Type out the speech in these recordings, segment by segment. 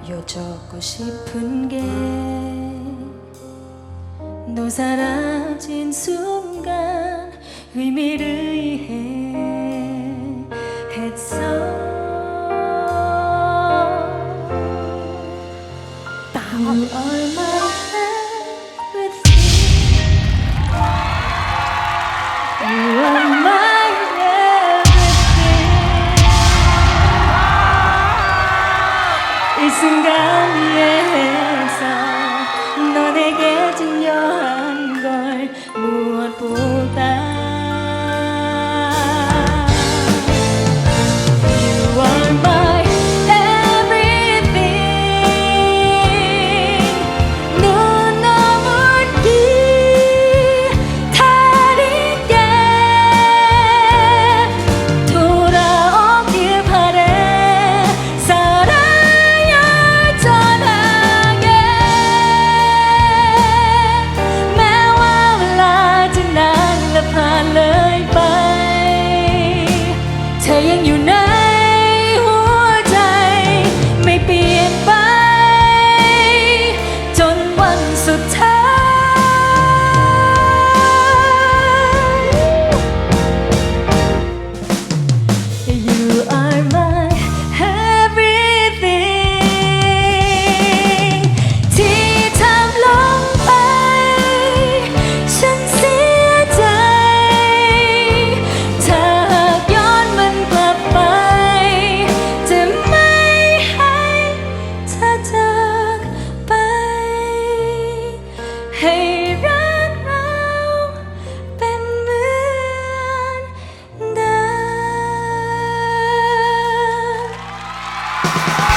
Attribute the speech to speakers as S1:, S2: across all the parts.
S1: 여쭙고 싶은 게 너 사라진 순간 의미를 이해했어 You are my everything You are my everything 이 순간 이해해서 너 내게 중요한 걸 무엇보다 You are my everything 눈 너물기 다리게 돌아오길 바래 사랑의 전화에แม้ว่าเวลาจะนานและผ่านเลยไปเธอยังอยู่ในหัวใจไม่เปลี่ยนไปจนวันสุดท้าย You are my everything ที่ทำลงไปฉันเสียใจถ้าหากย้อนมันกลับไปจะไม่ให้เธอจากไปให้รักเราเป็นเหมือนเดิม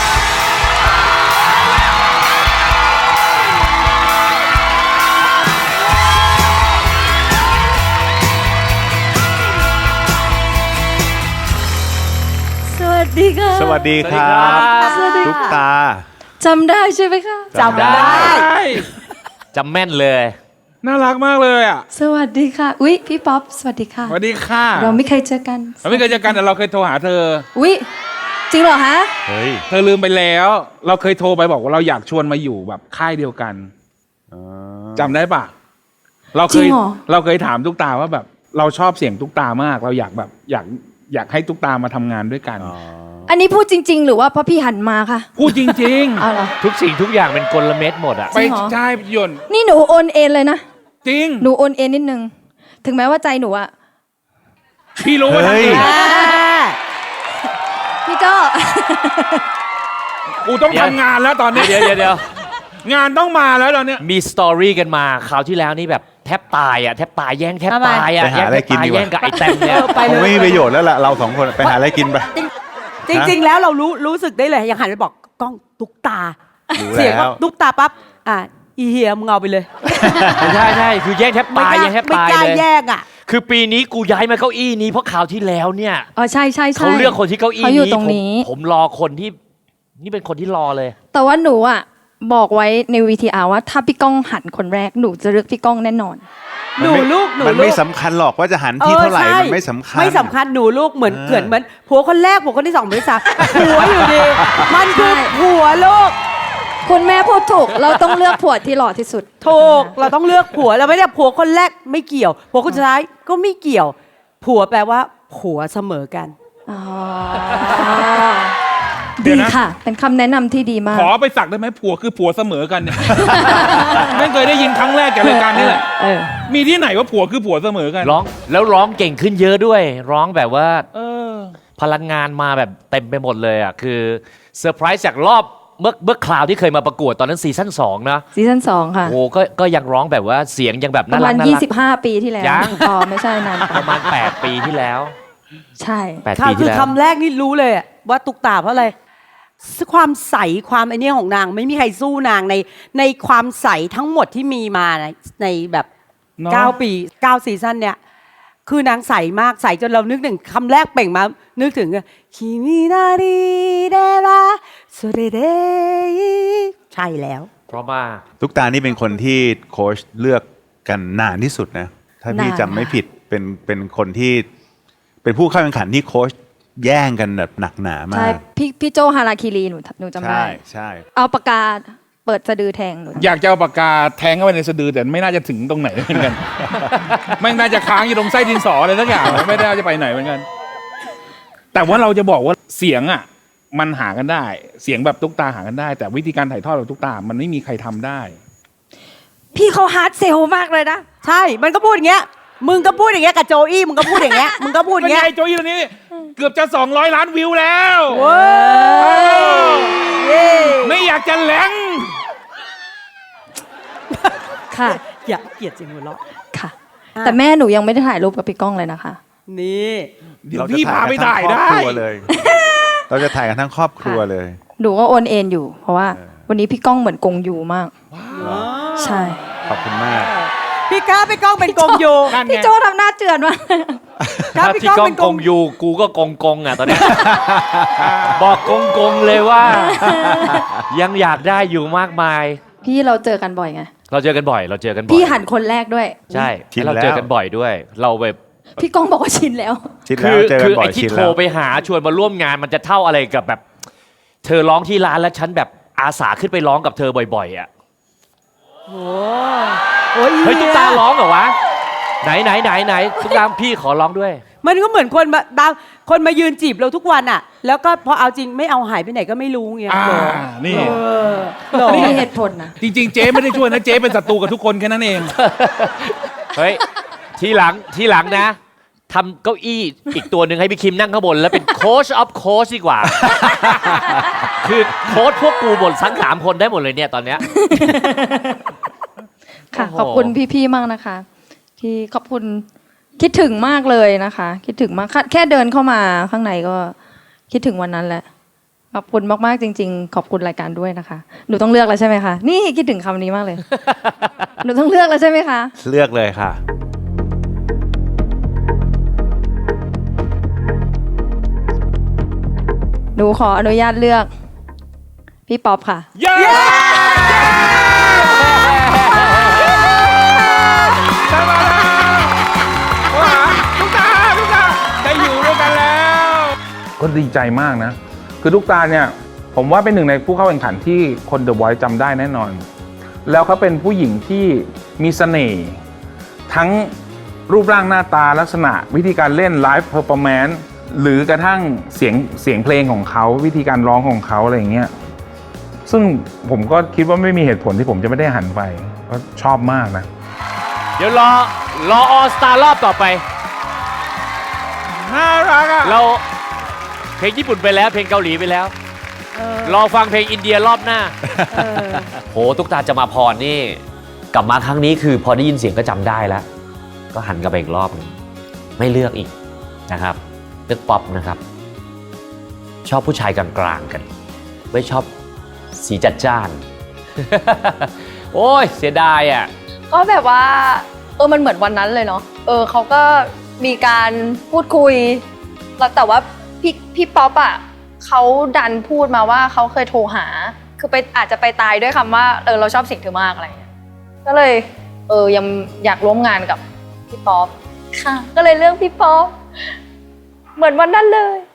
S1: สวัสดีค่ะ
S2: สวัสดีครับ
S1: สวัสดี
S2: ตุ๊ก
S1: ค่ะ
S2: ตา
S1: จำได้ใช่ไหมคะ
S3: จำได้จำแม่นเลย
S4: น่ารักมากเลยอ่ะ
S1: สวัสดีค่ะ อุ๊ย พี่ป๊อป สวัสดีค่ะ
S4: สวัสดีค่ะ
S1: เราไม่เคยเจอกัน
S4: เราไม่เคยเจอกันแต่เราเคยโทรหาเธอ
S1: อุ๊ย จริงเหรอฮะ
S2: เฮ้ย
S4: เธอลืมไปแล้ว เราเคยโทรไปบอกว่าเราอยากชวนมาอยู่แบบค่ายเดียวกันจำได้ปะเราเค
S1: จริ
S4: ย
S1: งเหรอ
S4: เราเคยถามตุ๊กตาว่าแบบ เราชอบเสียงตุ๊กตามาก เราอยากแบบอยากให้ตุ๊กตามาทำงานด้วยกัน
S1: อันนี้พูดจริง ๆ หรือว่าเพราะพี่หันมาค่ะ
S4: พูดจริง
S1: เอาเหรอ
S3: ทุกสิ่งทุกอย่างเป็นกลเม็ดหมดอะ
S4: ๆ ไป
S1: จริงเหรอ
S4: ใช่ยนต์
S1: นี่หนูโอนเอ็นเลยนะ
S4: จริง
S1: หนูโอนเอ็นนิดนึง ถึงแม้ว่าใจหนูอะ
S4: พี่รู้ว่า
S2: เฮ้ย
S1: พี่ก็
S4: กูต้องทำงานแล้วตอนนี้
S3: เดี๋ยว
S4: งานต้องมาแล้วตอนเนี้ย
S3: มีสตอรี่กันมาคราวที่แล้วนี่แบบแทบตายอะแทบตายแย่งแทบตายอะ
S2: ไปหาอะไรกินดีกว่า
S3: แย่งกับไอ้แต้มเนี่ย
S5: ไป
S2: ค
S5: เล
S2: ง
S5: ย
S2: ไม่มีประโยชน์แล้วล่ะ เราสองคนไปหาอะไรกินไป
S5: จริง ๆ แล้วเรารู้สึกได้เลยอย่างหันไปบอกกล้องตุ๊กตา
S2: รู้
S5: เสียง
S2: แล้ว
S5: ว่าตุ๊กตาปั๊บอีเฮียมึงเอาไปเลย
S3: ใช่คือแย่งแทบตายแย่งแทบ
S5: ไม่
S3: ตาย
S5: กล้า
S3: เลย
S5: แยกอ่ะ
S3: คือปีนี้กูย้ายมาเก้าอี้นี้เพราะคราวที่แล้วเนี่ย
S1: อ๋อใช่ใช่ใช่
S3: เขาเลือกคนที่เก้าอี้
S1: เขาอยู่
S3: นี้
S1: ตรงนี้
S3: ผมรอคนที่นี่เป็นคนที่รอเลย
S1: แต่ว่าหนูอะบอกไว้ใน VTR ว่าถ้าพี่ก้องหันคนแรกหนูจะเลือกพี่ก้องแน่นอน
S5: หนูลูกหนู
S2: มัน
S5: ลู
S2: ไม่
S5: ก
S2: สำคัญหรอกว่าจะหันที่เท่าไหร่
S5: ใช่
S2: มันไม่สำคัญ
S5: ไม่สำคัญหนูลูกเหมือน
S2: เออ
S5: เกิดเหมือนผัวคนแรกผัวคนที่สองผัวที่สามผัวอยู่ดีมันคือผัวลูก
S1: คุณแม่พูดถูก เราต้องเลือกผัวที่หล่อที่สุด
S5: ถูกเราต้องเลือกผัวเราไม่ได้ผัวคนแรกไม่เกี่ยวผัวคนสุดท้ายก็ไม่เกี่ยว ผัวแปลว่าผัวเสมอกัน
S1: อ๋อ
S4: เดี๋
S1: ดี
S4: ยวนะ
S1: ค่ะ เป็นคำแนะนำที่ดีมาก
S4: ขอไปสักได้ไหมผัวคือผัวเสมอกันเนี่ย ไม่เคยได้ยินครั้งแรกจากรายการนี้แหละ
S1: เออ
S4: มีที่ไหนว่าผัวคือผัวเสมอกัน
S3: ร้องเก่งขึ้นเยอะด้วย ร้องแบบว่า
S4: เออ
S3: พลังงานมาแบบเต็มไปหมดเลยอ่ะคือเซอร์ไพรส์จากรอบเมื่อคราวที่เคยมาประกวดตอนนั้นซีซั่น2นะ
S1: ซีซั่น2 ค่ะ
S3: โอ้ก็ยังร้องแบบว่าเสียงยังแบบ
S1: ป
S3: น่า
S1: ระ
S3: รั
S1: มาก ณ
S3: น่ารัก
S1: 25 ปีที่แล้ว
S3: ยัง
S1: อ๋อไม่ใช่นาน
S3: ประมาณ8 ปีที่แล้ว
S1: ใช่
S3: 8
S5: ค่ะ
S3: ปี
S5: คื
S3: ที่
S5: อ
S3: แล้ว
S5: คำแรกนี่รู้เลยอะว่าตุกตาเพราะอะไรความใสความไอเนี้ยของนางไม่มีใครสู้นางในความใสทั้งหมดที่มีมาในแบบ
S4: เนอะ
S5: 9 ปี9ซีซั่นเนี่ยคือนางใสมากใสจนเรานึกถึงคำแรกเปล่งมานึกถึงคิมินาริเดระโซเดเดใช่แล้ว
S3: เพราะมาก
S2: ตุ๊กตานี่เป็นคนที่โค้ชเลือกกันนานที่สุดนะ ถ้าพี่
S1: นาน
S2: จำไม่ผิดเป็นคนที่เป็นผู้เข้าแข่งขันที่โค้ชแย่งกันแบบหนักหนามาก
S1: ใช่พี่โจฮาราคิรีหนูจำได้
S2: ใช่ใช่
S1: เอาปากกาเปิดสะดือแทงหนู
S4: อยากจะเอาปากกาแทงเข้าไปในสะดือแต่ไม่น่าจะถึงตรงไหนเหมือนกัน ไม่น่าจะค้างอยู่ตรงไส้ดินสออะไรสักอย่างไม่ได้จะไปไหนเหมือนกัน แต่ว่าเราจะบอกว่าเสียงอ่ะมันหากันได้ เสียงแบบตุ๊กตาหากันได้ แต่วิธีการถ่ายทอดแบบตุ๊กตามันไม่มีใครทำได้
S1: พี่เขาฮาร์ดเซลมากเลยนะ
S5: ใช่ มันก็พูดอย่างเงี้ย มึงก็พูดอย่างเงี้ยกับโจอี้ มึงก็พูดอย่างเงี้ย มึงก็พูดอย่าง
S4: เป็น
S5: เงี้ย
S4: ไงโจยตัวนี้ เกือบจะ200 ล้านวิวแล้ว
S5: เว้ยเย้
S4: ไม่อยากจะแหลง
S1: ค่ะ
S5: อย่าเกลียดเสียงหัวเราะ
S1: ค่ะ แต่แม่หนูยังไม่ได้ถ่ายรูปกับพี่ก้องเลยนะคะ
S5: นี่
S4: เดี๋ยวพี่พาไปถ่ายได้
S2: เราจะถ่ายกันทั้งครอบครัวเลย
S1: หนูก็โอนเอ็นอยู่ เพราะว่าวันนี้พี่ก้องเหมือนกงยูมาก ใช่
S2: ขอบคุณมาก
S5: พี่ก้องเป็นกงยู
S4: นั่นไง
S1: พี่โจทำหน้าเจือนมาก
S5: ก้า
S3: ถ้า
S5: พี่
S3: พี่
S5: ก้อง
S3: ก้อง
S5: เป็น
S3: กงอยู่กูก็กงอ่ะตอนเนี้ย บอกกงเลยว่า ยังอยากได้อยู่มากมาย
S1: พี่เราเจอกันบ่อยไง
S3: เราเจอกันบ่อย เราเจอกันบ่อย
S1: พี่หันคนแรกด้วย
S3: ใช่
S2: ชิน
S3: เรา
S2: แล้ว
S3: เจอกันบ่อยด้วย เราแบบ
S1: พี่ก้องบอกว่าชินแล้ว
S2: ชิน
S3: คื
S2: แล้วเจอกั
S3: คื
S2: นบ่อ
S3: ไอ้
S2: ย
S3: ที่
S2: ชิน
S3: โทร
S2: แล้ว
S3: ไปหาชวนมาร่วมงานมันจะเท่าอะไรกับแบบ เธอร้องที่ร้านแล้วฉันแบบอาสาขึ้นไปร้องกับเธอบ่อยๆอ่ะ
S5: โอ้ย
S3: เฮ้ยตุ๊กตาร้องเหรอวะไหนตุ๊กตาพี่ขอร้องด้วย
S5: มันก็เหมือนคนมายืนจีบเราทุกวันอ่ะ แล้วก็พอเอาจริงไม่เอาหายไปไหนก็ไม่รู้เงี้ย
S4: นี่
S5: หรอ
S1: มีเหตุผลนะ
S4: จริงๆ เจ๊ไม่ได้ช่วยนะ เจ๊เป็นศัตรูกับทุกคนแค่นั้นเอง
S3: เฮ้ยทีหลังนะทำเก้าอี้อีกตัวหนึ่งให้พี่คิมนั่งข้างบน แล้วเป็นโค้ชออฟโค้ชดีกว่า คือโค้ชพวกกูหมดทั้ง3 คนได้หมดเลยเนี่ยตอนเนี้ย
S1: ค่ะ
S3: โอ้โห
S1: ขอบคุณพี่ๆมากนะคะ ที่ขอบคุณคิดถึงมากเลยนะคะ คิดถึงมากแค่เดินเข้ามาข้างในก็คิดถึงวันนั้นแหละขอบคุณมากๆจริง ๆ ขอบคุณรายการด้วยนะคะหนูต้องเลือกแล้วใช่ไหมคะนี่คิดถึงคำนี้มากเลย หนูต้องเลือกแล้วใช่ไหมคะ
S2: เลือกเลยค่ะ
S1: หนูขออนุญาตเลือกพี่ป๊อปค่ะ
S4: เย้ได้มาแล้วโอ้หาทุกตาได้อยู่ด้วยกันแล้ว ก็ดีใจมากนะ คือทุกตาเนี่ย ผมว่าเป็นหนึ่งในผู้เข้าแข่งขันที่คน The Voice จำได้แน่นอน แล้วเขาเป็นผู้หญิงที่มีเสน่ห์ทั้งรูปร่างหน้าตาลักษณะวิธีการเล่นไลฟ์เพอร์ฟอร์แมนซ์หรือกระทั่งเสียงเพลงของเขาวิธีการร้องของเขาอะไรอย่างเงี้ยซึ่งผมก็คิดว่าไม่มีเหตุผลที่ผมจะไม่ได้หันไปก็ชอบมากนะ
S3: เดี๋ยวรอออสตารอบต่อไป
S4: น่ารักอ่ะ
S3: เราเพลงญี่ปุ่นไปแล้วเพลงเกาหลีไปแล้ว รอฟังเพลงอินเดียรอบหน้า โหตุ๊กตาจะมาพรนี่กลับมาครั้งนี้คือพอได้ยินเสียงก็จำได้แล้ว ก็หันกลับไปอีกรอบหนึงไม่เลือกอีกนะครับเลือกป๊อปนะครับ ชอบผู้ชายกลางๆกัน ไม่ชอบสีจัดจ้าน โอ้ยเสียดายอ่ะ
S6: ก็แบบว่ามันเหมือนวันนั้นเลยเนาะเขาก็มีการพูดคุยแล้วแต่ว่าพี่ป๊อปอ่ะเขาดันพูดมาว่าเขาเคยโทรหาคืออาจจะไปตายด้วยคำว่าเราชอบเสียงเธอมากอะไรเงี้ยก็เลยยังอยากร่วมงานกับพี่ป๊อปค่ะก็เลยเลือกพี่ป๊อปเหมือนวันนั้นเลย